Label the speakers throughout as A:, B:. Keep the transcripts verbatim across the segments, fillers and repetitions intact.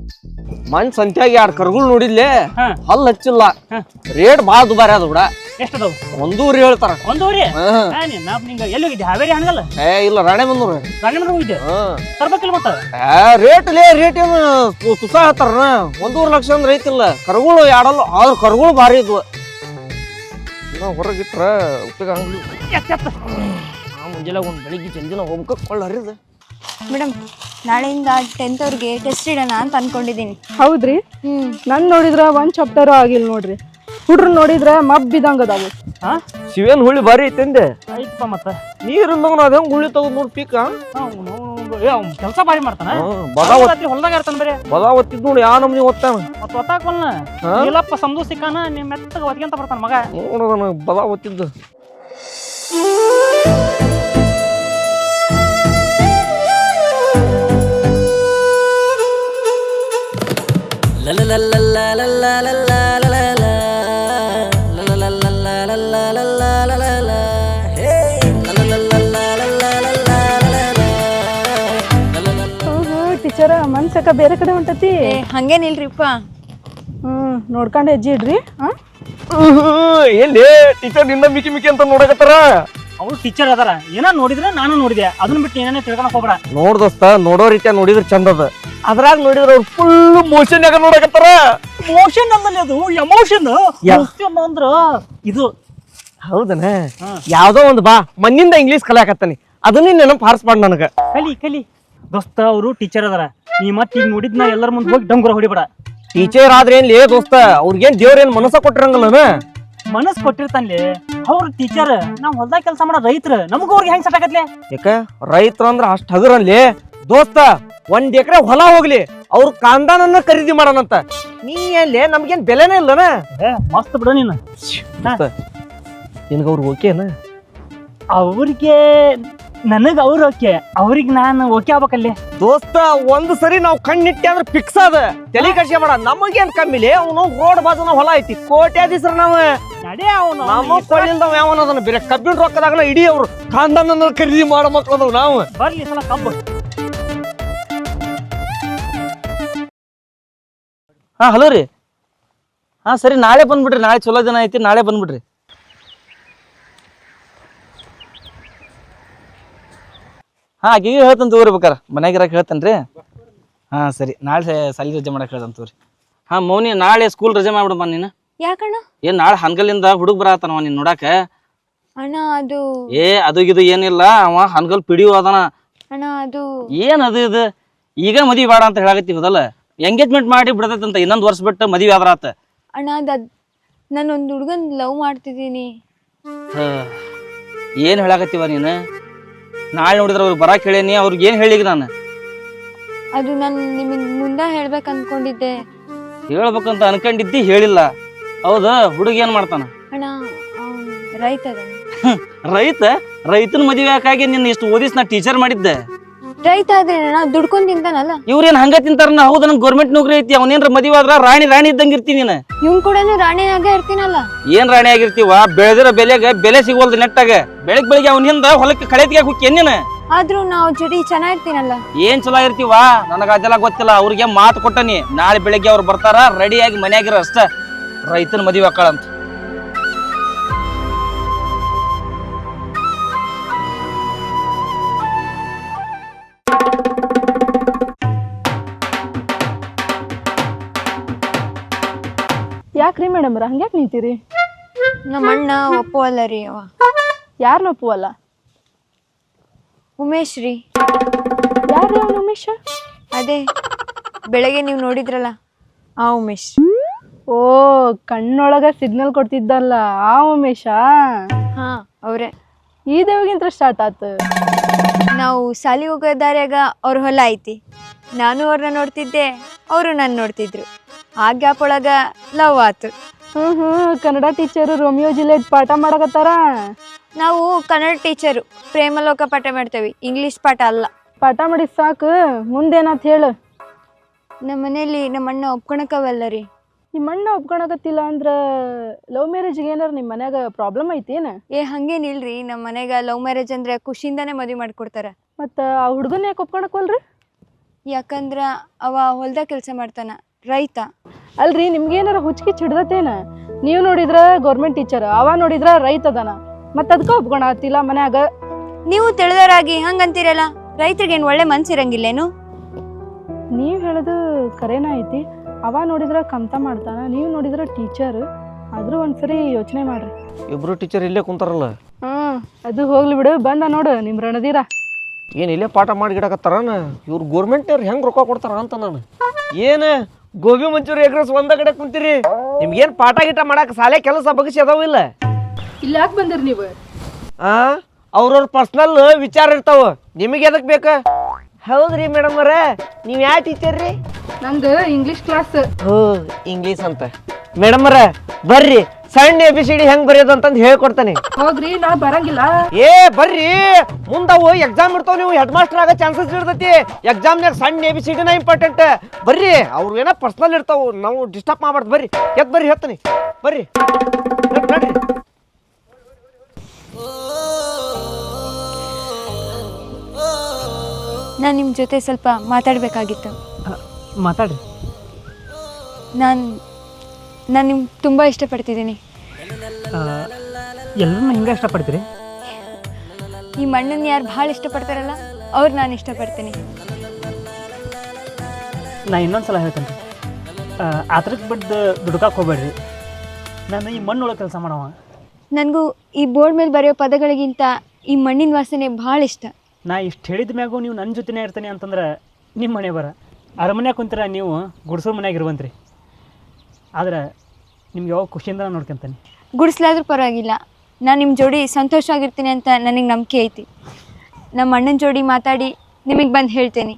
A: ಮನ್ ಸಂತ್ಯಾಗ ಎರಡು ಕರ್ಗಳು ನೋಡಿದ್ಲೆ
B: ಹಾ.
A: ಹಲ್ ಹಚ್ಚಿಲ್ಲ
B: ಹಾ.
A: ರೇಟ್ ಬಾಳ ದುಬಾರಿ ಅದ ಬಿಡ
B: ಎಷ್ಟದವು
A: ಒಂದೂರಿ ಹೇಳ್ತಾರ
B: ಒಂದೂವರೆ
A: ಹಾ.
B: ನಾ ನಿಂಗ ಎಲ್ಲಿ ಹೋಗಿದ್ದೆ ಹಾವೇರಿ ಹಣಗಲ್ಲ
A: ಏ ಇಲ್ಲ ರಾಣೆ ಬಂದೂರು
B: ರಾಣಿಮಂದ್ರ ಹೋಗಿದ್ದೆ ತರ್ಬೇಕಿಲ್ಲ ಮತ್ತ
A: ರೇಟ್ ಲೇ ರೇಟ್ ಏನು ತುಸ ಹೇಳ್ತಾರ ಒಂದೂವರೆ ಲಕ್ಷ ಅಂದ್ರೆ ಐತಿಲ್ಲ ಕರ್ಗಳು ಯಾಡಲ್ಲ ಆದ್ರ ಕರ್ಗಳು ಭಾರಿ ಇದ್ವು ಹೊರಗಿಟ್ರ ಉಪಯೋಗ ಹಂಗ್ಲಿ ಮುಂಜಾನೆ ಒಂದು ಬೆಳಿಗ್ಗೆ ಜಲ್ದಿನ ಹೋಗ್ಬೇಕು ಕೊಳ್ಳ ಹರಿದ
C: ಮೇಡಮ್ ನಾಳೆಯಿಂದ ಟೆಂತ್ ಅವ್ರಿಗೆ ಟೆಸ್ಟ್ ಇಡೋಣ ಅಂತ ಅನ್ಕೊಂಡಿದ್ದೀನಿ.
D: ಹೌದ್ರಿ
C: ಹ್ಮ್
D: ನನ್ ನೋಡಿದ್ರ ಒಂದ್ ಚಾಪ್ಟರ್ ಆಗಿಲ್ಲ ನೋಡ್ರಿ ಹುಡ್ರು ನೋಡಿದ್ರ ಮಬ್ಬಿದಂಗ ಅದಾವು.
B: ಹಾ
A: ಶಿವೇನ್ ಹುಳಿ ಭಾರಿ ಐತಂದೆ
B: ಐತಪ್ಪ ಮತ್ತ
A: ನೀರಿಂದ ಅದ ಹೆಂಗ್ ಹುಳಿ ತಗೊಂಡ್ ನೋಡಿ ಪೀಕ
B: ಕೆಲಸ ಬಾರಿ ಮಾಡ್ತಾನ
A: ಬದಾವತ್
B: ರಾತ್ರಿ ಹೊಲ್ದಾಗ ಇರ್ತಾನ ಬೇರೆ
A: ಬದಾವತ್ತಿದ್ ನೋಡಿ ಯಾ ನಮ್ನಿ ಓದ್ತಾನ
B: ಮತ್ತ ಒತ್ತಾಕಲ್ನ ಇಲ್ಲಪ್ಪ ಸಮದು ಸಿಕ್ಕಾನ ನಿಮ್ ಮೆತ್ತಗ ಒದ್ಕೊಂತ ಬರ್ತಾನ ಮಗ
A: ನೋಡೋದನ ಬದಾವತ್ತಿದ್ದು
D: ಟೀಚರ ಮನ್ಸಕ ಬೇರೆ ಕಡೆ ಹೊಂಟತಿ.
C: ಏ ಹಂಗೇನಿಲ್ರಿಪ್ಪ.
D: ಹ್ಮ್ ನೋಡ್ಕೊಂಡ್ ಹೆಜ್ಜೆ ಇಡ್ರಿ. ಹಾ
A: ಎಲ್ಲಿ ಟೀಚರ್ ನಿನ್ನ ಮಿಕಿ ಮಿಕಿ ಅಂತ ನೋಡಕತ್ತಾರ.
B: ಅವ್ರು ಟೀಚರ್ ಅದಾರ ಏನ ನೋಡಿದ್ರೆ ನಾನು ನೋಡಿದೆ ಅದನ್ನ ಬಿಟ್ಟು ಏನೇನೇ ತಿಳ್ಕೊಳಕ್ ಹೋಗ್ಬೇಡ.
A: ನೋಡ್ ದೋಸ್ತ ನೋಡೋ ರೀತಿಯ ನೋಡಿದ್ರ ಚಂದ ಅದ ಅದ್ರಾಗ ನೋಡಿದ್ರ ಅವ್ರು ಫುಲ್ ಮೋಷನ್ ಯಾಕ ನೋಡಕತ್ತಾರ.
B: ಮೋಷನ್ ಅಂದಲ್ಲಿ ಅದು ಎಮೋಷನ್ ಅಂದ್ರ ಇದು
A: ಹೌದನ ಯಾವ್ದೋ ಒಂದು ಬಾ ಮಣ್ಣಿಂದ ಇಂಗ್ಲೀಷ್ ಕಲಿಯಾಕತ್ತಾನಿ ಅದನ್ನ ನೆನಪು ಹಾರಿಸ್ಬಾರ್ದು ನನಗ.
B: ಕಲಿ ಕಲಿ ದೋಸ್ತ ಅವರು ಟೀಚರ್ ಅದಾರ ನೀ ಮತ್ ಈಗ ನೋಡಿದ್ನ ಎಲ್ಲರ ಮುಂದೆ ಹೋಗಿ ಡಂಗುರ ಹೊಡಿಬೇಡ.
A: ಟೀಚರ್ ಆದ್ರೆ ಏನ್ ಲೇ ದೋಸ್ತ ಅವ್ರಿಗೇನ್ ದೇವ್ರೇನ್ ಮನಸ್ಸ ಕೊಟ್ಟಿರಂಗಲ್ಲನ
B: ಮನಸ್ ಕೊಟ್ಟಿರ್ತಾನ್ಲಿ ಅವ್ರ ಟೀಚರ್ ನಾವ್ ಹೊಲ್ದಾಗ ಕೆಲಸ ಮಾಡೋ ರೈತರ ನಮಗ ಅವ್ರಿಗೆ ಹೆಂಗ್ ಸೆಟ್ ಆಗತ್ಲೆ.
A: ಯಾಕ ರೈತರ ಅಂದ್ರ ಅಷ್ಟ್ ಹಗರಲ್ಲಿ ದೋಸ್ತ ಒಂದ್ ಎಕರೆ ಹೊಲ ಹೋಗ್ಲಿ ಅವ್ರ ಕಾಂದಾನನ್ನ ಖರೀದಿ ಮಾಡೋಣಂತ ನೀ ಎಲ್ಲಿ ನಮ್ಗೇನ್ ಬೆಲೆನೇ ಇಲ್ಲನ.
B: ಮಸ್ತ್ ಬಿಡ ನೀನು
A: ನಿನ್ಗ ಅವ್ರು ಓಕೆನ
B: ಅವ್ರಿಗೆ ನನಗ್ ಅವ್ರ ಓಕೆ ಅವ್ರಿಗೆ ನಾನು ಓಕೆ ಆಗ್ಬೇಕಲ್ಲಿ.
A: ದೋಸ್ತ ಒಂದ್ ಸರಿ ನಾವ್ ಕಣ್ಣಿಟ್ಟೆ ಅಂದ್ರೆ ಫಿಕ್ಸ್ ಅದ ತಲೆ ಕಡ್ಸಿ ಮಾಡ ನಮಗೇನ್ ಕಮ್ಮಿಲಿ ಅವನು ರೋಡ್ ಬಾಜುನ ಹೊಲ ಐತಿ ಕೋಟ್ಯಾಧೀಶ್ರ ನಾವ
B: ನಡೆ ಅವನು
A: ನಮ್ಮ ಕೊಳ್ಳಿಲ್ದವ ಯಾವನ ಅದನ್ನ ಬೇರೆ ಕಬ್ಬಿನ ರೊಕ್ಕದಾಗನ ಇಡೀ ಅವ್ರು ಕಾಂದಾನನ್ನ ಖರೀದಿ ಮಾಡೋ ಮಕ್ಳು ಅದಾವ ನಾವು.
B: ಬರ್ಲಿ ಸಲ ಕಬ್ಬು.
E: ಹಾ ಹಲೋ ರೀ ಹಾ ಸರಿ ನಾಳೆ ಬಂದ್ಬಿಡ್ರಿ ನಾಳೆ ಚಲೋ ದಿನ ಐತಿ ನಾಳೆ ಬಂದ್ಬಿಡ್ರಿ. ಹಾ ಆಕಿಗೆ ಹೇಳ್ತಾನೆ ತಗೋರಿ ಬೇಕಾರ ಮನ್ಯಾಗಿರಕ್ಕೆ ಹೇಳ್ತಾನೆ ರೀ. ಹಾ ಸರಿ ನಾಳೆ ಸಾಲಿ ರಜೆ ಮಾಡಕ್ಕೆ ಹೇಳ್ತಾನೆ ತಗೋರಿ. ಹಾ ಮೌನಿ ನಾಳೆ ಸ್ಕೂಲ್ ರಜೆ ಮಾಡ್ಬಿಡಮ್ಮ ನೀನು.
C: ಯಾಕಣ್ಣ?
E: ಏನ್ ನಾಳೆ ಹನ್ಗಲ್ಲಿಂದ ಹುಡುಗ ಬರತ್ತಾನವ ನೀನ್ ನೋಡಾಕ.
C: ಅಣ್ಣ ಅದು
E: ಏ ಅದು ಇದು ಏನಿಲ್ಲ ಅವ ಹನ್ಗಲ್ ಪಿಡಿಯೋ ಅದಾನ.
C: ಅಣ್ಣ ಅದು
E: ಏನ್ ಅದು ಇದು ಈಗ ಮದ್ವಿ ಬೇಡ ಅಂತ ಹೇಳಾಕತ್ತಿ ಹೋದಲ್ಲ ಎಂಗೇಜ್ಮೆಂಟ್ ಮಾಡಿ ಬಿಡತೈತಂತ ಇನ್ನೊಂದ್ ವರ್ಷ ಬಿಟ್ಟು ಮದ್ವಿ ಆದ್ರ ಆತ.
C: ಅಣ್ಣ ಅದ್ ನಾನು ಒಂದು ಹುಡುಗನ್ ಲವ್ ಮಾಡ್ತಿದ್ದೀನಿ.
E: ಏನ್ ಹೇಳಾಕತ್ತೀವ ನೀನು ನಾಳೆ ನೋಡಿದ್ರ ಅವ್ರಿಗೆ ಬರಾಕ್ ಹೇಳೇನಿ ಅವ್ರಿಗೆ ಏನ್ ಹೇಳಿಗ ನಾನು.
C: ಅದು ನಾನು ನಿಮಗೆ ಮುಂದೆ ಹೇಳ್ಬೇಕು ಅನ್ಕೊಂಡಿದ್ದೆ.
E: ಹೇಳ್ಬೇಕಂತ ಅನ್ಕೊಂಡಿದ್ದಿ ಹೇಳಿಲ್ಲ ಹೌದಾ. ಹುಡುಗ ಏನ್ ಮಾಡ್ತಾನ?
C: ಅಣ್ಣ ಅವ್ನ್ ರೈತ ಅದಾನ.
E: ರೈತ ರೈತನ ಮದುವೆ ಯಾಕಾಗಿ ನಿನ್ನ ಇಷ್ಟು ಓದಿಸ್ ನಾ ಟೀಚರ್ ಮಾಡಿದ್ದೆ.
C: ರೈತ ಆದ್ರೆ ಅಣ್ಣ ದುಡ್ಕೊಂಡ್ ತಿಂತಾನಲ್ಲ.
E: ಇವ್ರೇನ್ ಹಂಗ ತಿಂತಾರ ಹೌದ ನಂಗೆ ಗೌರ್ಮೆಂಟ್ ನೌಕರಿ ಐತಿ ಅವನೇನ್ರ ಮದುವೆ ಆದ್ರ ರಾಣಿ ರಾಣಿ ಇದ್ದಂಗ ಇರ್ತೀನಿ ನೀನು.
C: ಇವ್ನ್ ಕೂಡ ರಾಣಿಯಾಗೆ ಇರ್ತೀನಲ್ಲ.
E: ಏನ್ ರಾಣಿ ಆಗಿರ್ತೀವ ಬೆಳೆದಿರೋ ಬೆಲೆಗೆ ಬೆಲೆ ಸಿಗೋಲ್ದು ನೆಟ್ಟಾಗ ಬೆಳಗ್ ಬೆಳಿಗ್ಗೆ ಅವ್ನ ಹಿಂದ ಹೊಲಕ್ಕೆ ಕಳೆತಿಗೆ ಹೋಗಿ ನೀನು.
C: ಆದ್ರೂ ನಾವು ಜೊತೆ ಚೆನ್ನಾಗಿರ್ತೀನಲ್ಲ.
E: ಏನ್ ಚಲೋ ಇರ್ತೀವ ನನಗ ಅದೆಲ್ಲ ಗೊತ್ತಿಲ್ಲ. ಅವ್ರಿಗೆ ಮಾತು ಕೊಟ್ಟನಿ ನಾಳೆ ಬೆಳಿಗ್ಗೆ ಅವ್ರು ಬರ್ತಾರ ರೆಡಿಯಾಗಿ ಮನ್ಯಾಗಿರ ಅಷ್ಟ ರೈತನ ಮದುವೆ ಹಾಕಳಂತ.
D: ಯಾಕ್ರಿ ಮೇಡಮ್ರ ಹಂಗ್ಯಾಕ್ ನಿಂತೀರಿ?
C: ನಮ್ಮ ಅಣ್ಣ ಒಪ್ಪುವಲ್ಲ ರೀ. ಅವ
D: ಯಾರನ್ನ ಒಪ್ಪುವಲ್ಲ?
C: ಉಮೇಶ್ ರೀ.
D: ಯಾರು ಅವನು ಉಮೇಶ?
C: ಅದೇ ಬೆಳಗ್ಗೆ ನೀವು ನೋಡಿದ್ರಲ್ಲ ಆ ಉಮೇಶ್.
D: ಓ ಕಣ್ಣೊಳಗ ಸಿಗ್ನಲ್ ಕೊಡ್ತಿದ್ದಲ್ಲ ಆ ಉಮೇಶ.
C: ಹಾ ಅವ್ರೆ.
D: ಈ ದೇವಗಿಂತ ಸ್ಟಾರ್ಟ್ ಆತ.
C: ನಾವು ಸಾಲಿ ಹೋಗೋ ದಾರ್ಯಾಗ ಅವ್ರ ಹೊಲ ಐತಿ. ನಾನು ಅವ್ರನ್ನ ನೋಡ್ತಿದ್ದೆ ಅವರು ನನ್ನ ನೋಡ್ತಿದ್ರು. ಆ ಗ್ಯಾಪ್ ಒಳಗ ಲವ್ ಆತು.
D: ಹ್ಮ್ ಹ್ಮ್ ಕನ್ನಡ ಟೀಚರು ರೋಮಿಯೋ ಜೂಲಿಯಟ್ ಪಾಠ ಮಾಡಕತ್ತಾರ.
C: ನಾವು ಕನ್ನಡ ಟೀಚರು ಪ್ರೇಮಲೋಕ ಪಾಠ ಮಾಡ್ತೇವಿ, ಇಂಗ್ಲಿಷ್ ಪಾಠ ಅಲ್ಲ.
D: ಪಾಠ ಮಾಡಿದ್ ಸಾಕು ಮುಂದೇನಾತ್ ಹೇಳು.
C: ನಮ್ಮ ಮನೇಲಿ ನಮ್ಮ ಅಣ್ಣ ಒಪ್ಕೊಳಕವಲ್ಲ ರೀ.
D: ನಿಮ್ಮ ಅಣ್ಣ ಒಪ್ಕೊಳಕತ್ತಿಲ್ಲ ಅಂದ್ರ ಲವ್ ಮ್ಯಾರೇಜ್ಗೆ ಏನಾರ ನಿಮ್ಮ ಮನ್ಯಾಗ ಪ್ರಾಬ್ಲಮ್ ಐತೇನ?
C: ಏ ಹಂಗೇನಿಲ್ರಿ, ನಮ್ಮ ಮನೆಗ ಲವ್ ಮ್ಯಾರೇಜ್ ಅಂದ್ರೆ ಖುಷಿಯಿಂದಾನೇ ಮದುವೆ ಮಾಡ್ಕೊಡ್ತಾರ.
D: ಮತ್ತ ಆ ಹುಡುಗನ ಯಾಕೆ ಒಪ್ಕೊಳಕವಲ್ರಿ?
C: ಯಾಕಂದ್ರ ಅವ ಹೊಲ್ದಾಗ ಕೆಲಸ ಮಾಡ್ತಾನ, ರೈತ.
D: ಅಲ್ರಿ ನಿಮ್ಗೇನಾರ ಹುಚ್ಚಿಗೆ ಹಿಡ್ದತೇನ? ನೀವು ನೋಡಿದ್ರ ಗೌರ್ಮೆಂಟ್ ಟೀಚರ್, ಅವ ನೋಡಿದ್ರ ರೈತ ಅದಾನ, ಮತ್ತ ಅದಕ್ಕ ಒಪ್ಕೊಳ ಆತಿಲ್ಲ ಮನ್ಯಾಗ.
C: ನೀವು ತಿಳಿದವರಾಗಿ ಹಂಗಂತೀರಲ್ಲ, ರೈತರಿಗೇನು ಒಳ್ಳೆ ಮನ್ಸಿರಂಗಿಲ್ಲೇನು?
D: ನೀವ್ ಹೇಳೋದು ಕರೆನ ಐತಿ. ಅವ ನೋಡಿದ್ರ ಕಮ್ತ ಮಾಡ್ತಾನ, ನೀವು ನೋಡಿದ್ರ ಟೀಚರ್. ಆದ್ರೂ ಒಂದ್ಸರಿ ಯೋಚನೆ ಮಾಡ್ರಿ.
A: ಇಬ್ರು ಟೀಚರ್ ಇಲ್ಲೇ ಕುಂತಾರಲ್ಲ.
D: ಹ್ಮ್ ಅದು ಹೋಗ್ಲಿ ಬಿಡು. ಬಂದ ನೋಡು ನಿಮ್ ರಣದೀರ.
A: ಏನು ಇಲ್ಲೇ ಪಾಠ ಮಾಡಿ ಗಿಡಕತ್ತಾರನ? ಇವ್ರು ಗೋರ್ಮೆಂಟ್ನವ್ರು ಹೆಂಗೆ ರೊಕ್ಕ ಕೊಡ್ತಾರ ಅಂತ ನಾನು ಏನು ಗೋಬಿ ಮಂಚೂರಿ ಎಗ್ ರೈಸ್ ಒಂದ ಕಡೆ ಕುಂತೀರಿ? ನಿಮ್ಗೇನು ಪಾಠ ಗಿಟ ಮಾಡಕ್ಕೆ ಶಾಲೆ ಕೆಲಸ ಬಗ್ಸಿ ಅದಾವಿಲ್ಲ?
D: ಇಲ್ಲಿ ಯಾಕೆ ಬಂದಿರಿ ನೀವು?
A: ಆ ಅವ್ರವ್ರ ಪರ್ಸ್ನಲ್ ವಿಚಾರ ಇರ್ತಾವ, ನಿಮಗೆ ಎದಕ್ಕೆ ಬೇಕು? ಹೌದ್ರಿ ಮೇಡಮ್ ಅವರ, ನೀವು ಯಾವ ಟೀಚರ್ ರೀ?
D: ನಂದು ಇಂಗ್ಲಿಷ್ ಕ್ಲಾಸ್.
A: ಹೋ ಇಂಗ್ಲೀಷ್ ಅಂತ. ಮೇಡಮ್ ಅವರ ಬರ್ರಿ, ಸಣ್ಣ ಎ ಬಿ ಸಿ ಡಿ ಹೆಂಗ್ ಬರೆಯೋದು ಅಂತಂದು ಹೇಳ್ಕೊಡ್ತಾನೆ.
D: ಹೋಗ್ರಿ, ನಾ ಬರಂಗಿಲ್ಲ.
A: ಏ ಬರ್ರಿ, ಮುಂದವು ಎಕ್ಸಾಮ್ ಇರ್ತಾವ, ನೀವು ಹೆಡ್ ಮಾಸ್ಟರ್ ಆಗೋ ಚಾನ್ಸಸ್ ಇರ್ತೈತಿ. ಎಕ್ಸಾಮ್ನಾಗ ಸಣ್ಣ ಎ ಬಿ ಸಿ ಡಿನ ಇಂಪಾರ್ಟೆಂಟ್. ಬರ್ರಿ, ಅವ್ರು ಏನೋ ಪರ್ಸ್ನಲ್ ಇರ್ತಾವ, ನಾವು ಡಿಸ್ಟರ್ಬ್ ಮಾಡ್ಬಾರ್ದು. ಬರ್ರಿ, ಎತ್ ಬರ್ರಿ, ಹೇಳ್ತಾನೆ ಬರ್ರಿ ನಡ್ರಿ.
C: ನಾನು ನಿಮ್ಮ ಜೊತೆ ಸ್ವಲ್ಪ ಮಾತಾಡಬೇಕಾಗಿತ್ತು.
B: ಮಾತಾಡ್ರಿ.
C: ನಾನು ನಾನು ನಿಮ್ಗೆ ತುಂಬ ಇಷ್ಟಪಡ್ತಿದ್ದೀನಿ.
B: ಎಲ್ಲರನ್ನ ಹಿಂಗೆ ಇಷ್ಟಪಡ್ತೀರಿ?
C: ಈ ಮಣ್ಣನ್ನು ಯಾರು ಭಾಳ ಇಷ್ಟಪಡ್ತಾರಲ್ಲ ಅವ್ರು ನಾನು ಇಷ್ಟಪಡ್ತೀನಿ.
B: ನಾ ಇನ್ನೊಂದು ಸಲ ಹೇಳ್ತೇನೆ ರೀ, ಆ ಥರಕ್ಕೆ ಬಿದ್ದು ದುಡ್ಕಕ್ಕೆ ಹೋಗ್ಬೇಡ್ರಿ. ನಾನು ಈ ಮಣ್ಣೊಳಗೆ ಕೆಲಸ ಮಾಡವ.
C: ನನಗೂ ಈ ಬೋರ್ಡ್ ಮೇಲೆ ಬರೆಯೋ ಪದಗಳಿಗಿಂತ ಈ ಮಣ್ಣಿನ ವಾಸನೆ ಭಾಳ ಇಷ್ಟ.
B: ನಾ ಇಷ್ಟು ಹೇಳಿದ ಮ್ಯಾಗೂ ನೀವು ನನ್ನ ಜೊತೆನೇ ಇರ್ತೀನಿ ಅಂತಂದ್ರೆ ನಿಮ್ಮ ಮನೆ ಬರ ಅರಮನ್ಯಾಗ ಕುಂತೀರ, ನೀವು ಗುಡ್ಸೋ ಮನ್ಯಾಗ ಇರುವಂತ್ರಿ. ಆದ್ರೆ ನಿಮ್ಗೆ ಯಾವಾಗ ಖುಷಿಯಿಂದ ನೋಡ್ಕೊಂತಾನೆ.
C: ಗುಡಿಸ್ಲಾದ್ರೂ ಪರವಾಗಿಲ್ಲ, ನಾನು ನಿಮ್ಮ ಜೋಡಿ ಸಂತೋಷವಾಗಿರ್ತೀನಿ ಅಂತ ನನಗೆ ನಂಬಿಕೆ ಐತಿ. ನಮ್ಮ ಅಣ್ಣನ ಜೋಡಿ ಮಾತಾಡಿ ನಿಮಗೆ ಬಂದು ಹೇಳ್ತೇನೆ.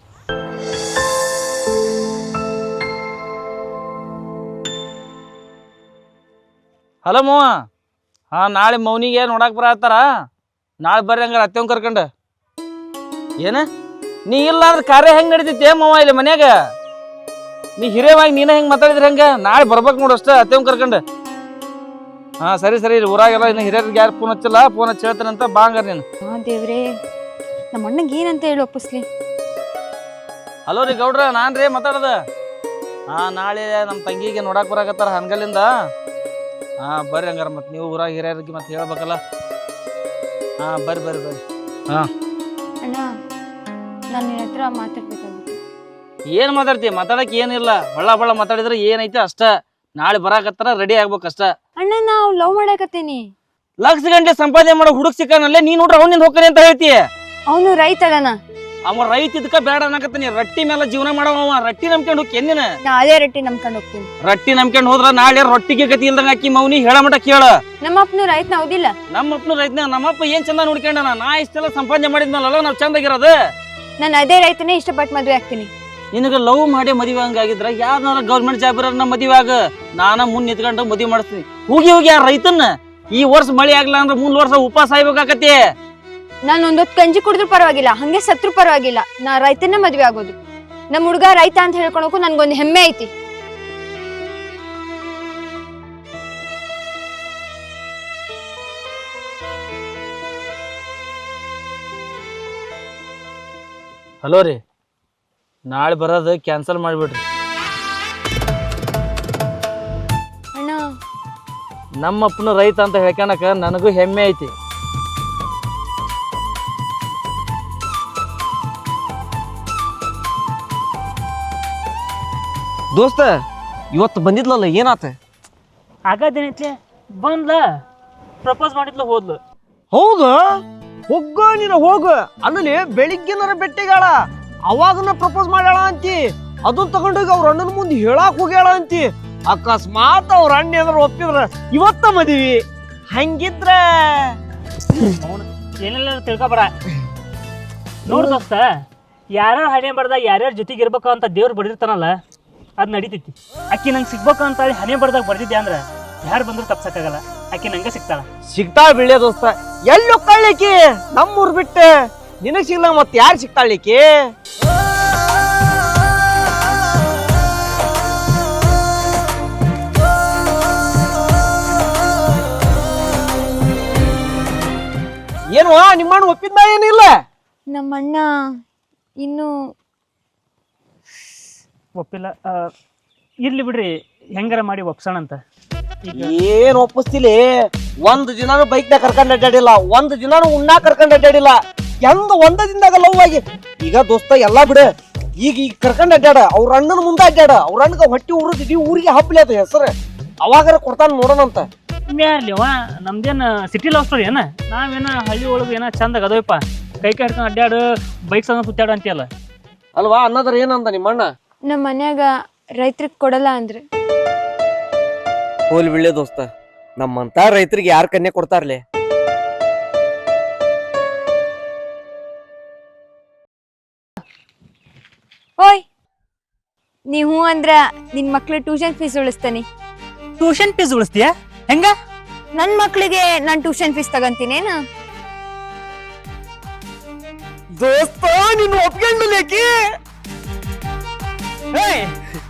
E: ಹಲೋ ಮವ. ಹಾಂ, ನಾಳೆ ಮೌನಿಗೆ ನೋಡಕ್ಕೆ ಬರತ್ತಾರ. ನಾಳೆ ಬರ್ರಿ ಹಂಗಾರೆ ಅತ್ತೆವ್ ಕರ್ಕೊಂಡು. ಏನ ನೀ ಇಲ್ಲ ಅಂದ್ರೆ ಕಾರ್ಯ ಹೆಂಗೆ ನಡೀತೈತಿ ಮವ ಇಲ್ಲಿ ಮನ್ಯಾಗ? ನೀ ಹಿರಿಯವಾಗಿ ನೀನ ಹೆಂಗೆ ಮಾತಾಡಿದ್ರಿ ಹೆಂಗೆ? ನಾಳೆ ಬರ್ಬೇಕು ನೋಡು ಅಷ್ಟೇ ಅತ್ತೆವ್ ಕರ್ಕೊಂಡು. ಹಾಂ ಸರಿ ಸರಿ, ಇಲ್ಲಿ ಊರಾಗೆಲ್ಲ ಇನ್ನು ಹಿರಿಯರಿಗೆ ಯಾರು ಫೋನ್ ಹಚ್ಚಿಲ್ಲ, ಫೋನ್ ಹಚ್ಚಿ ಹೇಳ್ತಾನಂತ ಬಾ ಹಂಗಾರೆ ನೀನು.
C: ಹಾಂ ದೇವ್ರೇ, ನಮ್ಮ ಅಣ್ಣಗೆ ಏನಂತ ಹೇಳಿ ಒಪ್ಪಿಸ್ಲಿ.
E: ಹಲೋ ರೀ ಗೌಡ್ರ, ನಾನು ರೀ ಮಾತಾಡೋದು. ಹಾಂ, ನಾಳೆ ನಮ್ಮ ತಂಗಿಗೆ ನೋಡಕ್ಕೆ ಬರಾಕತ್ತಾರ ಹನ್ಗಲ್ಲಿಂದ. ಹಾಂ ಬರ್ರಿ ಹಂಗಾರ, ಮತ್ತೆ ನೀವು ಊರಾಗ ಹಿರಿಯರಿಗೆ ಮತ್ತೆ ಹೇಳ್ಬೇಕಲ್ಲ. ಹಾಂ ಬರ್ರಿ ಬರ್ರಿ ಬರ್ರಿ. ಹಾಂ
C: ಅಣ್ಣ, ನಾನು ನಿನ್ನ ಹತ್ರ ಮಾತಾಡ್ಬೇಕಾಗಿತ್ತು.
E: ಏನು ಮಾತಾಡ್ತೀವಿ? ಮಾತಾಡಕ್ಕೆ ಏನಿಲ್ಲ, ಬಳ್ಳ ಬಳ್ಳ ಮಾತಾಡಿದ್ರೆ ಏನೈತೆ ಅಷ್ಟ. ನಾಳೆ ಬರಾಕತ್ತಾರ, ರೆಡಿ ಆಗ್ಬೇಕಷ್ಟ.
C: ಅಣ್ಣ, ನಾವು ಲವ್ ಮಾಡಕತ್ತೀನಿ.
E: ಲಕ್ಷ ಗಂಟೆ ಸಂಪಾದನೆ ಮಾಡೋ ಹುಡುಗ ಸಿಕ್ಕನಲ್ಲೇ ನೀ ನೋಡ್ರಿ ಅವ್ನಿಂದ ಹೋಗ್ತಾನೆ ಅಂತ ಹೇಳ್ತಿ.
C: ಅವನು ರೈತ ಅದಾನ.
E: ಅವ ರೈತ ಇದಕ್ಕ ಬೇಡ ಅನ್ನಕತ್ತೀನಿ. ರಟ್ಟಿ ಮೇಲೆ ಜೀವನ ಮಾಡವ, ರಟ್ಟಿ ನಂಬ್ಕೊಂಡು ಹೋಗಿ ಎನ್ನಿನ
C: ನಾ ಅದೇ ರೊಟ್ಟಿ ನಂಬ್ಕೊಂಡು ಹೋಗ್ತೀನಿ.
E: ರಟ್ಟಿ ನಂಬ್ಕೊಂಡು ಹೋದ್ರ ನಾಳೆ ರೊಟ್ಟಿಗೆ ಗತಿ ಇಲ್ದಂಗ ಹಾಕಿ ಮೌನಿ ಹೇಳ ಮಟ ಕೇಳ.
C: ನಮ್ಮ ಅಪ್ಪನು ರೈತನ ಹೌದಿಲ್ಲ?
E: ನಮ್ಮ ಅಪ್ಪನು ರೈತನ. ನಮ್ಮಪ್ಪ ಏನ್ ಚಂದ ನೋಡ್ಕೊಂಡನ. ನಾ ಇಷ್ಟೆಲ್ಲ ಸಂಪಾದನೆ ಮಾಡಿದ್ನಲ್ಲ, ನಾವ್ ಚಂದಾಗಿರೋದು.
C: ನಾನು ಅದೇ ರೈತನೇ ಇಷ್ಟಪಟ್ಟು ಮದುವೆ ಆಗ್ತೀನಿ.
E: ನಿನಗ ಲವ್ ಮಾಡಿ ಮದುವೆ ಹಂಗಾಗಿದ್ರ ಯಾರನ್ನಾರ ಗೌರ್ಮೆಂಟ್ ಜಾಬ್ ಇರೋರ್ನ ಮದುವೆ ಆಗ. ನಾನ ಮುಂದ್ ನಿಂತ್ಕೊಂಡು ಮದುವೆ ಮಾಡಿಸ್ತೀನಿ. ಹೋಗಿ ಹೋಗಿ ಯಾರ ರೈತನ್ನ ಈ ವರ್ಷ ಮಳೆ ಆಗ್ಲಿಲ್ಲ ಅಂದ್ರೆ ಮುಂದ್ ವರ್ಷ ಉಪವಾಸ ಆಗ್ಬೇಕಾಕತಿ.
C: ನಾನು ಒಂದೊತ್ತು ಗಂಜಿ ಕುಡಿದ್ರು ಪರವಾಗಿಲ್ಲ, ಹಂಗೆ ಸತ್ರು ಪರವಾಗಿಲ್ಲ, ನಾ ರೈತನೇ ಮದ್ವೆ ಆಗೋದು. ನಮ್ಮ ಹುಡುಗ ರೈತ ಅಂತ ಹೇಳ್ಕೊಳಕು ನನ್ಗೊಂದು ಹೆಮ್ಮೆ ಐತಿ.
E: ಹಲೋ ರೀ, ನಾಳೆ ಬರೋದು ಕ್ಯಾನ್ಸಲ್ ಮಾಡಿಬಿಡ್ರಿ.
C: ಅಣ್ಣ,
E: ನಮ್ಮಪ್ಪನ ರೈತ ಅಂತ ಹೇಳ್ಕೊಳಕ ನನಗೂ ಹೆಮ್ಮೆ ಐತಿ.
A: ದೋಸ್ತ ಇವತ್ತು ಬಂದಿದ್ಲಲ್ಲ, ಏನಾತ?
B: ಆಗಾದೇನೈತಿ, ಬಂದ್ಲ ಪ್ರಪೋಸ್ ಮಾಡಿದ್ಲು, ಹೋದ್ಲು.
A: ಹೌದು, ಹೋಗ ನೀನು ಹೋಗ. ಅಲ್ಲಿ ಬೆಳಿಗ್ಗೆನರ ಬೆಟ್ಟಿಗಾಳ, ಅವಾಗನ ಪ್ರಪೋಸ್ ಮಾಡ್ಯಾಳ ಅಂತಿ. ಅದನ್ನ ತಗೊಂಡೋಗಿ ಅವ್ರ ಅಣ್ಣನ ಮುಂದೆ ಹೇಳಾಕ್ ಹೋಗ್ಯಾಳ ಅಂತಿ. ಅಕಸ್ಮಾತ್ ಅವ್ರ ಅಣ್ಣ ಏನಾರ ಒಪ್ಪಿದ್ರ ಇವತ್ತ ಮದ್ವಿ. ಹಂಗಿದ್ರ
B: ಏನೆಲ್ಲ ತಿಳ್ಕೊಬರ. ನೋಡ್ ದೋಸ್ತ, ಯಾರ್ಯಾರು ಹಣೆ ಬರ್ದಾಗ ಯಾರ್ಯಾರ ಜೊತೆಗೆ ಇರ್ಬೇಕು ಅಂತ ದೇವ್ರು ಬಡಿರ್ತಾನಲ್ಲ, ಅದ್ ನಡೀತೈತಿ. ಅಕ್ಕಿ ನಂಗೆ ಸಿಗ್ಬೇಕು ಅಂತ ಹೇಳಿ ಹಣೆ ಬರ್ದಾಗ ಬರ್ದಿದ್ದೆ ಅಂದ್ರೆ ಯಾರು ಬಂದ್ರು ತಪ್ಸಕ್ಕಾಗಲ್ಲ. ಅಕ್ಕಿ ನಂಗೆ ಸಿಗ್ತಾಳ.
A: ಸಿಗ್ತಾಳ ಬಿಳ್ಳೆ ದೋಸ್ತ. ಎಲ್ಲಿ ಹೋಗ್ತಾಳಿಕಿ? ನಮ್ಮೂರ್ ಬಿಟ್ಟು ನಿನಗ್ ಸಿಗ್ಲಂಗ ಮತ್ ಯಾರು ಸಿಗ್ತಾಳಿಕಿ? ಏನು ನಿಮ್ಮಣ್ಣ ಒಪ್ಪಿದ್ದ? ಏನಿಲ್ಲ.
C: ನಮ್ಮಣ್ಣ ಇನ್ನು
B: ಒಪ್ಪಿಲ್ಲ ಆ, ಇರ್ಲಿ ಬಿಡ್ರಿ ಹೆಂಗಾರ ಮಾಡಿ ಒಪ್ಸೋಣ ಅಂತ ಈಗ
A: ಏನ್ ಒಪ್ಪಿಸ್ತಿಲಿ ಒಂದ್ ದಿನಾನು ಬೈಕ್ ನಾಗ ಕರ್ಕೊಂಡ್ ಅಡ್ಡಾಡಿಲ್ಲ ಒಂದ್ ದಿನಾನು ಉಣ್ಣಾ ಕರ್ಕೊಂಡ್ ಅಡ್ಡಾಡಿಲ್ಲ ಹೆಂಗ ಒಂದ ದಿನದಾಗ ಲವ್ ಆಗಿ ಈಗ ದೋಸ್ತ ಎಲ್ಲಾ ಬಿಡ ಈಗ ಈಗ ಕರ್ಕೊಂಡ್ ಅಡ್ಡಾಡ ಅವ್ರ ಅಣ್ಣನ ಮುಂದೆ ಅಡ್ಡಾಡ ಅವ್ರ ಅಣ್ಣಗ ಹೊಟ್ಟಿ ಉರಿದ್ ಇಡೀ ಊರಿಗೆ ಹಬ್ಲಿ ಅದ ಹೆಸರು ಅವಾಗಾರ ಕೊಡ್ತಾನ ನೋಡೋಣಂತ
B: ಮ್ಯಾಲಿವ ನಮ್ದೇನು ಸಿಟಿ ಲವ್ ಸ್ಟೋರಿ ಏನ ನಾವೇನ ಹಳ್ಳಿ ಒಳಗೆ ಏನೋ ಚಂದಾಗ ಅದೋಯಪ್ಪ ಕೈ ಕೈ ಹಿಡ್ಕೊಂಡು ಅಡ್ಡಾಡು ಬೈಕ್ ಸಂಗ ಸುತ್ತಾಡು ಅಂತೀಯಲ್ಲ.
A: ಅಲ್ವಾ ಅನ್ನೋದ್ರ ಏನಂತ ನಿಮ್ಮ ಅಣ್ಣ?
C: ನಮ್ಮ ಮನ್ಯಾಗ ರೈತ್ರಿಗೆ ಕೊಡಲ್ಲ ಅಂದ್ರೆ
A: ಹೋಲ್ ಬಿಳ್ಳೆ ದೋಸ್ತ ನಮ್ಮಂತ ರೈತರಿಗೆ ಯಾರ ಕನ್ಯೆ ಕೊಡ್ತಾರ್ಲೆ?
C: ಓಯ್ ನೀವು ಅಂದ್ರ ನಿನ್ ಮಕ್ಳು ಟ್ಯೂಷನ್ ಫೀಸ್ ಉಳಿಸ್ತಾನೆ.
B: ಟ್ಯೂಷನ್ ಫೀಸ್ ಉಳಿಸ್ತೀಯ ಹೆಂಗ?
C: ನನ್ ಮಕ್ಳಿಗೆ ನಾನ್ ಟ್ಯೂಷನ್ ಫೀಸ್ ತಗಂತೀನೇನ?
A: ದೋಸ್ತ ನೀನು ಒಪ್ಕೊಂಡಲೇಕಿ
B: ಏಯ್